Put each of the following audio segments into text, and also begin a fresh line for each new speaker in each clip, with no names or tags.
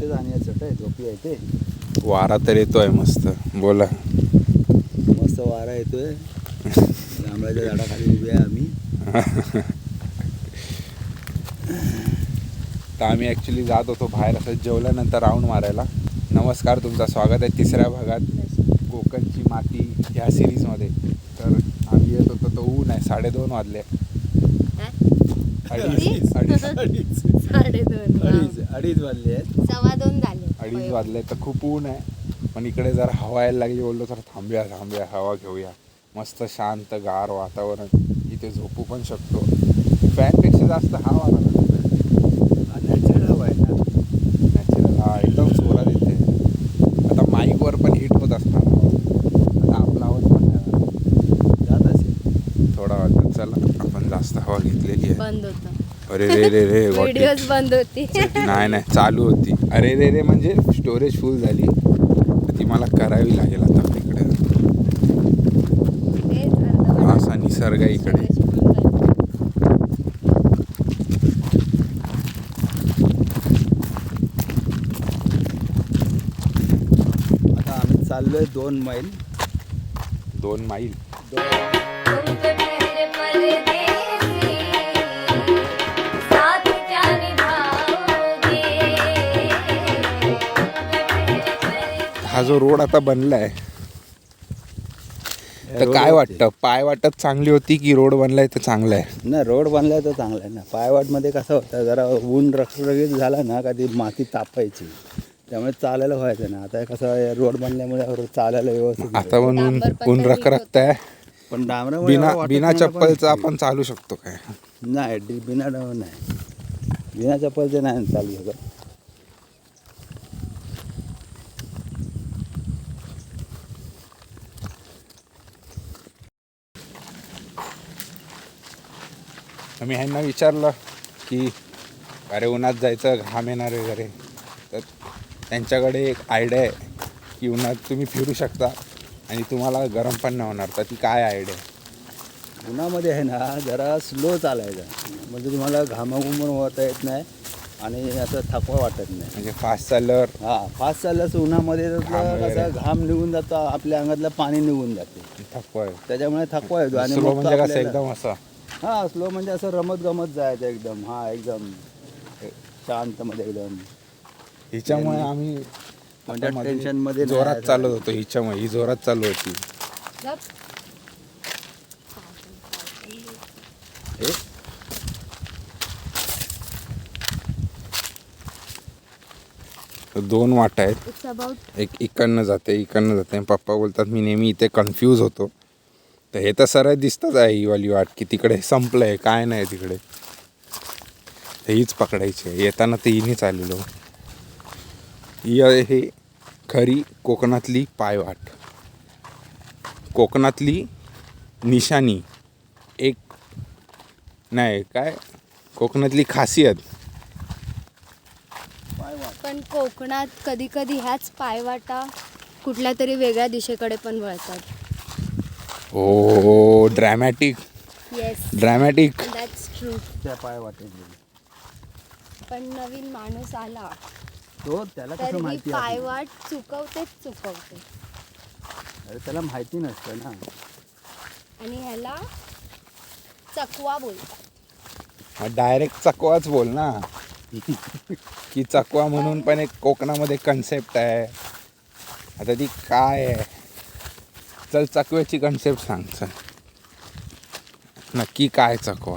जाण्याचं काय झोपी आहे ते.
वारा तर येतोय मस्त. बोला.
मस्त वारा येतोय. जांभळाच्या झाडाखाली उभे आहे आम्ही.
तर आम्ही ॲक्च्युली जात होतो बाहेर असं जेवल्यानंतर राऊंड मारायला. नमस्कार, तुमचं स्वागत आहे तिसऱ्या भागात कोकणची माती ह्या सिरीजमध्ये. तर आम्ही येत होतो, तो ऊन आहे. 2:30 वाजले. अडीच
वाजले आहेत.
2:15 झाले.
2:30 वाजले. तर खूप ऊन आहे. पण इकडे जर हवा यायला लागली, बोललो तर थांबूया हवा घेऊया. मस्त शांत गार वातावरण. इथे झोपू पण शकतो. फॅनपेक्षा जास्त हवा लागतो.
नॅचरल हवा आहे ना.
नॅचरल हा एकदम जोरात येते. आता माईकवर पण हिट होत असणार. आता आपला आवाज पण नाही
जात असेल
थोडा वाटत. चला, आपण जास्त हवा घेतलेली आहे.
बंद होतं.
अरे रे
व्हिडिओज बंद होती.
नाही चालू होती. अरे रे म्हणजे स्टोरेज फुल झाली. ती मला करावी लागेल आता. इकडे असा निसर्ग आहे इकडे.
आता आम्ही चाललोय 2 मैल.
2 मैल. हा जो रोड आता बनलाय, तर काय वाटतं, पाय वाटत चांगली होती की रोड बनलाय तर चांगला आहे?
ना रोड बनलाय तर चांगला आहे ना. पायवाटमध्ये कसं होतं, जरा ऊन रखरखीत झाला ना का ती माती तापायची, त्यामुळे चालायला व्हायचं ना. आता कसं रोड बनल्यामुळे चालायला व्यवस्थित.
आता पण ऊन रखरखत आहे.
पण डांबरामुळे
बिना चप्पलचं आपण चालू शकतो काय?
नाही, बिना चप्पलचे नाही चालू शकत.
मी ह्यांना विचारलं की अरे उन्हात जायचं, घाम येणार वगैरे, तर त्यांच्याकडे एक आयडिया आहे की उन्हात तुम्ही फिरू शकता आणि तुम्हाला गरम पण नाही होणार. तर ती काय आयडिया आहे?
उन्हामध्ये आहे ना, जरा स्लो चालायचं, म्हणजे तुम्हाला घामाघुमून होता येत नाही आणि असं थकवा वाटत नाही.
म्हणजे फास्ट चालल्यावर.
फास्ट चालल्यास उन्हामध्ये कसं घाम निघून जातो, आपल्या अंगातलं पाणी निघून जाते,
थकवा आहे.
त्याच्यामुळे थकवा येतो. आणि
स्लो म्हणजे कसं एकदम असं?
स्लो म्हणजे असं रमत जायचं एकदम. एकदम शांतमध्ये एकदम.
हिच्यामुळे आम्ही
म्हणजे टेन्शनमध्ये
जोरात चालत होतो. हिच्यामुळे ही जोरात चालू होती. तर 2 वाटा आहेत. एक इकडनं जाते. पप्पा बोलतात मी नेहमी इथे कन्फ्यूज होतो. तर हे तर सरळ दिसतच आहे ही वाली वाट, की तिकडे संपलं आहे, काय नाही तिकडे. तर हीच पकडायची आहे. येताना तर हिनेच आलेलो. ही आहे खरी कोकणातली पायवाट, कोकणातली निशाणी. एक नाही काय, कोकणातली खासियत.
पण कोकणात कधी कधी ह्याच पायवाटा कुठल्या तरी वेगळ्या दिशेकडे पण वळतात.
हो, ड्रॅमॅटिक.
That's true.
त्या पाय वाटेल.
पण नवीन माणूस आला
तो त्याला
तर
कसं
ही
माहिती
पायवाट चुकवते.
अरे त्याला माहिती नसतं ना.
आणि ह्याला चकवा बोलतात.
डायरेक्ट चकवाच बोल ना. की चकवा म्हणून पण एक कोकणामध्ये कन्सेप्ट आहे. आता ती काय आहे? चल चकव्याची कन्सेप्ट सांग. चल नक्की काय चकवा?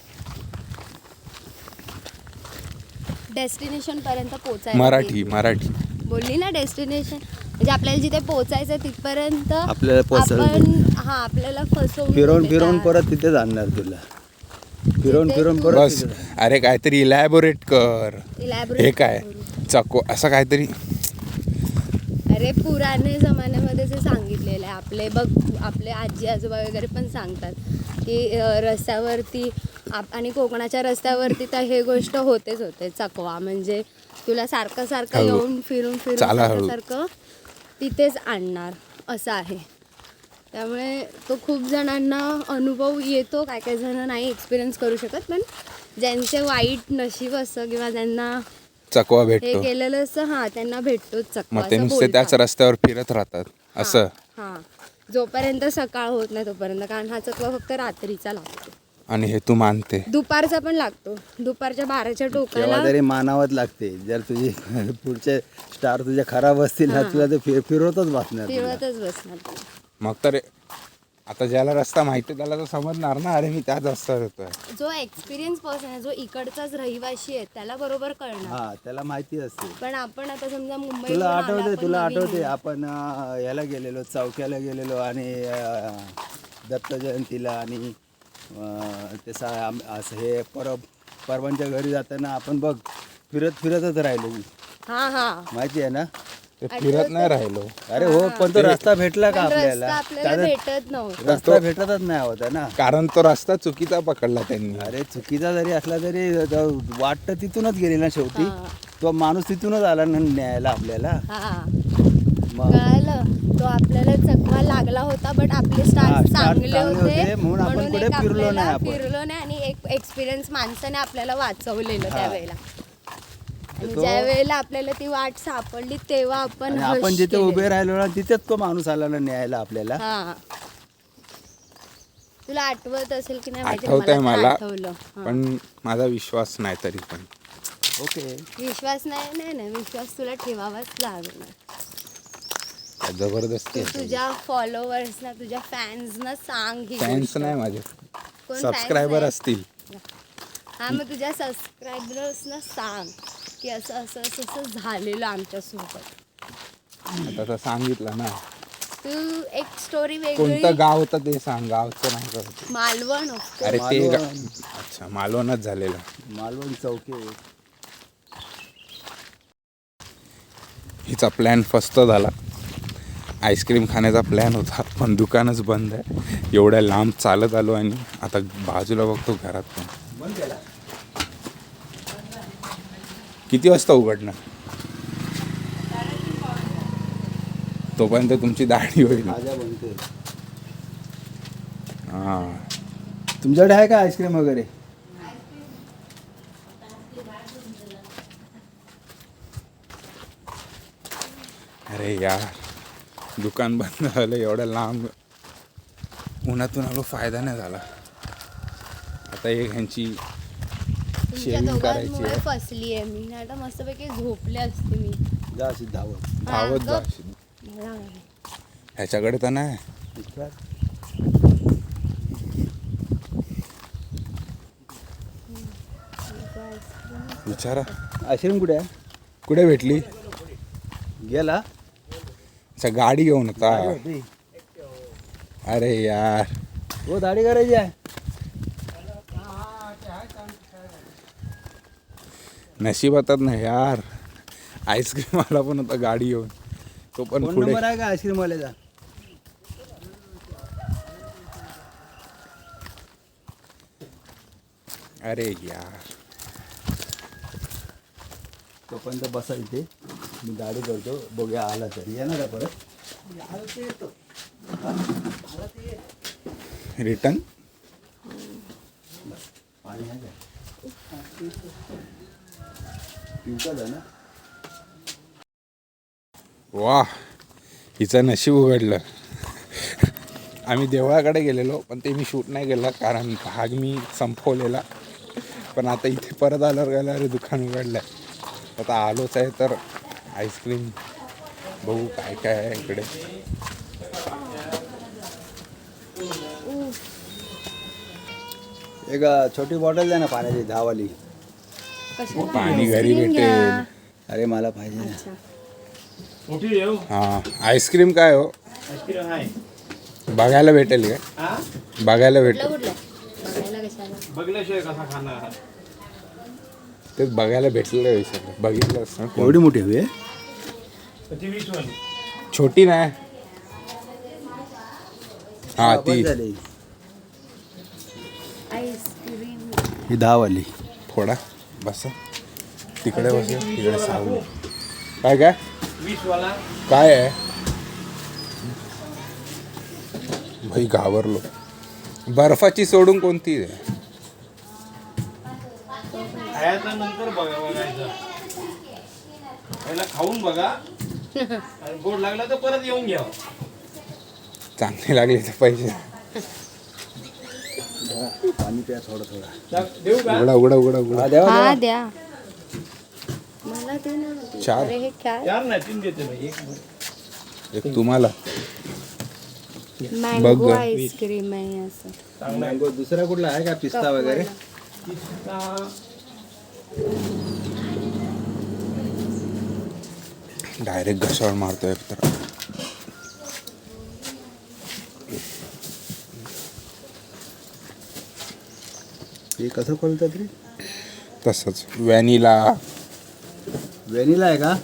डेस्टिनेशन पर्यंत पोचायला.
मराठी
बोलली ना. डेस्टिनेशन म्हणजे आपल्याला जिथे पोचायचं तिथपर्यंत
आपल्याला
आपल्याला फसवून
फिरून परत तिथे जाणार तुला. फिरून परत
बस. अरे काहीतरी इलॅबोरेट कर. हे काय चकवा असं काहीतरी?
अरे पुराणे जमान्यामध्ये जे सांगितलेलं आहे, आपले आजी आजोबा वगैरे पण सांगतात की रस्त्यावरती आणि कोकणाच्या रस्त्यावरती तर हे गोष्ट होते. चकवा म्हणजे तुला सारखं येऊन फिरून सारखं तिथेच आणणार असं आहे. त्यामुळे तो खूप जणांना अनुभव येतो. काही जण नाही एक्सपिरियन्स करू शकत. पण ज्यांचे वाईट नशीब असतं किंवा ज्यांना
चकवा
हे
भेटतो.
केलेलं असं हा त्यांना भेटतोच चकवा
मग ते
असं
नुसते त्याच
बोलतात.
रस्त्यावर फिरत राहतात असं.
हा जोपर्यंत सकाळ होत नाही तोपर्यंत, कारण हा चकवा फक्त रात्रीचा लागतो.
आणि हे तू मानते.
दुपारचा पण लागतो, दुपारच्या 12च्या
केव्हा
टोकाला.
तरी मानावंच लागते. जर तुझी पुढचे स्टार तुझे खराब असतील ना, तुला ते फिरवतच बसणार तुला.
फिरवतच बसणार.
मग तर आता ज्याला रस्ता माहिती त्याला तर समजणार ना, अरे मी त्याच रस्त्यावर येतोय.
जो एक्सपिरियन्स पर्सन आहे, जो इकडचाच रहिवाशी आहे, त्याला बरोबर कळणार.
हा त्याला माहिती असते.
पण आपण आता समजा मुंबई
तुला आठवते आपण याला गेलेलो, चौक्याला गेलेलो आणि दत्त जयंतीला आणि ते असं हे परवांच्या घरी जाताना आपण बघ फिरतच राहिलो.
हा
माहिती आहे ना.
ते फिरत नाही राहिलो.
अरे हो, पण तो रस्ता भेटला का आपल्याला?
आपल्याला भेटत नव्हतं.
रस्ता भेटतच नाही होता ना.
कारण तो रस्ता चुकीचा पकडला त्यांनी.
अरे चुकीचा जरी असला तरी वाट तर तिथूनच गेली ना शेवटी. तो माणूस तिथूनच आला ना न्यायला आपल्याला. मग
कळालं, तो आपल्याला चकवा लागला होता, बट आपले स्टार्ट चांगले होते
म्हणून आपण कुठे फिरलो नाही. आपण
फिरलो नाही आणि एक एक्सपिरियन्स माणसाने आपल्याला वाचवलेलं त्यावेळेला. आणि ज्या वेळेला आपल्याला ती वाट सापडली तेव्हा आपण
जिथे उभे राहिलो ना तिथेच तो माणूस आला ना न्यायला आपल्याला.
तुला आठवत असेल की नाही माहिती,
आठवतंय मला,
आठवलं.
पण माझा विश्वास नाही तरी पण.
ओके,
विश्वास नाही विश्वास तुला ठेवावाच लागणार.
जबरदस्ती.
तुझ्या फॉलोअर्सना, तुझ्या फॅन्सना सांग.
फॅन्स नाही माझे,
कोण
सबस्क्रायबर असतील.
हा, मग तुझ्या सबस्क्रायबर्सना सांग की असं असं असं असं झालेलं आमच्यासोबत.
आता तर सांगितलं ना.
तू एक स्टोरी वेगळी.
कोणतं गाव होतं ते सांग. गावचं नाही करत.
मालवण.
अरे ते अच्छा, मालवणच झालेलं.
मालवण चौके.
हिचा प्लॅन फस्त झाला. आईस्क्रीम खाण्याचा प्लॅन होता, पण दुकानच बंद आहे. एवढ्या लांब चालत आलो आणि आता बाजूला बघतो घरात पण. किती वाजता उघडणार? तोपर्यंत तुमची दाढी होईल. हां,
तुमच्याकडे आहे का आईस्क्रीम वगैरे?
अरे यार, दुकान बंद झालं. एवढ्या लांब उन्हातून आलो, फायदा नाही झाला. आता एक ह्यांची शेविंग करायची आहे.
फसली आहे मी, नाही तर मस्तपैकी झोपले असते मी.
जा अशी धावत.
धावत जा. ह्याच्याकडे तर नाही. विचारा
आईस्क्रीम कुठे आहे?
कुठे भेटली?
गेला.
अच्छा, गाडी घेऊन होता. अरे यार,
हो, दाढी करायची आहे.
नशिबातात नाही यार. आईस्क्रीम आला पण होता गाडी घेऊन. तो पण
फोन
पुढे.
नंबर आहे का आईस्क्रीम वाल्याचा?
अरे यार,
तोपर्यंत बसा इथे, मी गाडी करतो. बघूया आला तरी येणार का परत?
रिटर्न.
पाणी आहे का? पिवका जा ना.
वा, हिचं नशीब उघडलं. आम्ही देवळाकडे गेलेलो, पण ते मी शूट नाही केलं कारण भाग मी संपवलेला. पण आता इथे परत आल्यावर गेलं, अरे दुकान उघडलं आहे. आता आलोच आहे तर आईस्क्रीम बघू काय काय आहे इकडे.
एक छोटी बॉटल द्या ना पाण्याची, 10 वाली.
पाणी घरी भेटेल.
अरे मला पाहिजे ना.
हां, आईस्क्रीम काय हो? बघायला भेटेल काय? बघायला भेटेल. तेच बघायला भेटलेलं विषय. बघितलं असतं.
एवढी मोठी हवी आहे?
छोटी नाही. हा, ती
झाली
आईस्क्रीम.
ही 10 वाली.
थोडा बस तिकडे, बस तिकडे सावली. काय काय
20 वाला
काय आहे भाई? घाबरलो. बर्फाची सोडून कोणती आहे?
खायचा नंतर बघायचं. पहिला खाऊन बघा आणि गोड लागला तर परत येऊन घ्या.
चांगले लागले तर पैसे
पाणी प्या थोडं थोडं.
देऊ का?
उघडा उघडा उघडा उघडा.
हा द्या मला ते ना.
चार.
अरे हे काय
चार नाही 3 देते मी.
एक तुम्हाला
मँगो
बघ.
आईस्क्रीम आहे असं.
मँगो दुसरा कुठला आहे का पिस्ता वगैरे?
डायरेक्ट घशावर मारतोय तर.
हे कसं खोलतात रे?
तसंच व्हॅनिला.
व्हॅनिला आहे का?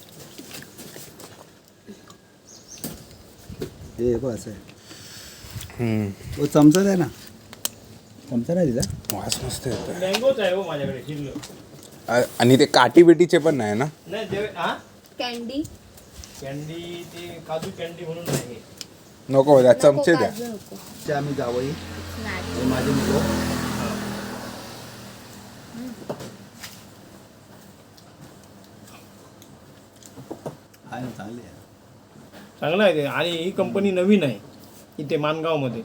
हे बघ असं आहे. तो चमचा आहे ना? चमचा नाही दिला?
वास मस्त येतोय.
मँगोच आहे हो माझ्याकडे शिल्लक.
आणि ते काटी बिटीचे पण नाही ना?
नाही देव हा
कॅन्डी
कॅन्डी ते काजू कॅन्डी म्हणून आहे.
नको द्या, चमचे द्या.
काजू नको.
ते आम्ही जावई
स्नॅक्स.
हे माझे मुलं. आहे ना, चांगली आहे.
चांगलं आहे ते. आणि ही कंपनी नवीन आहे इथे मानगावमध्ये.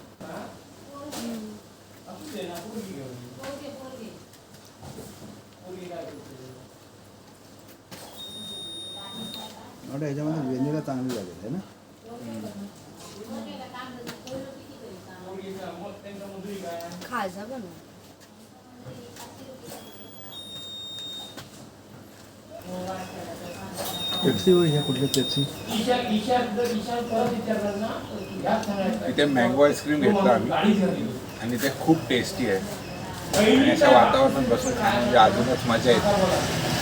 एवढं ह्याच्यामध्ये व्हॅनिला चांगली लागेल आहे ना?
खाजा बनव.
पेप्सी होय, हे कुठली पेप्सी?
तिथे मँगो आईस्क्रीम घेतलं आम्ही आणि ते खूप टेस्टी आहे. आणि अशा वातावरणात बसून खाणं म्हणजे अजूनच मजा येते.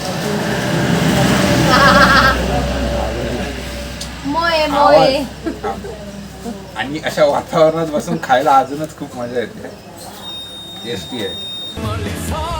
मोये मोये.
आणि अशा वातावरणात बसून खायला अजूनच खूप मजा येते. टेस्टी आहे.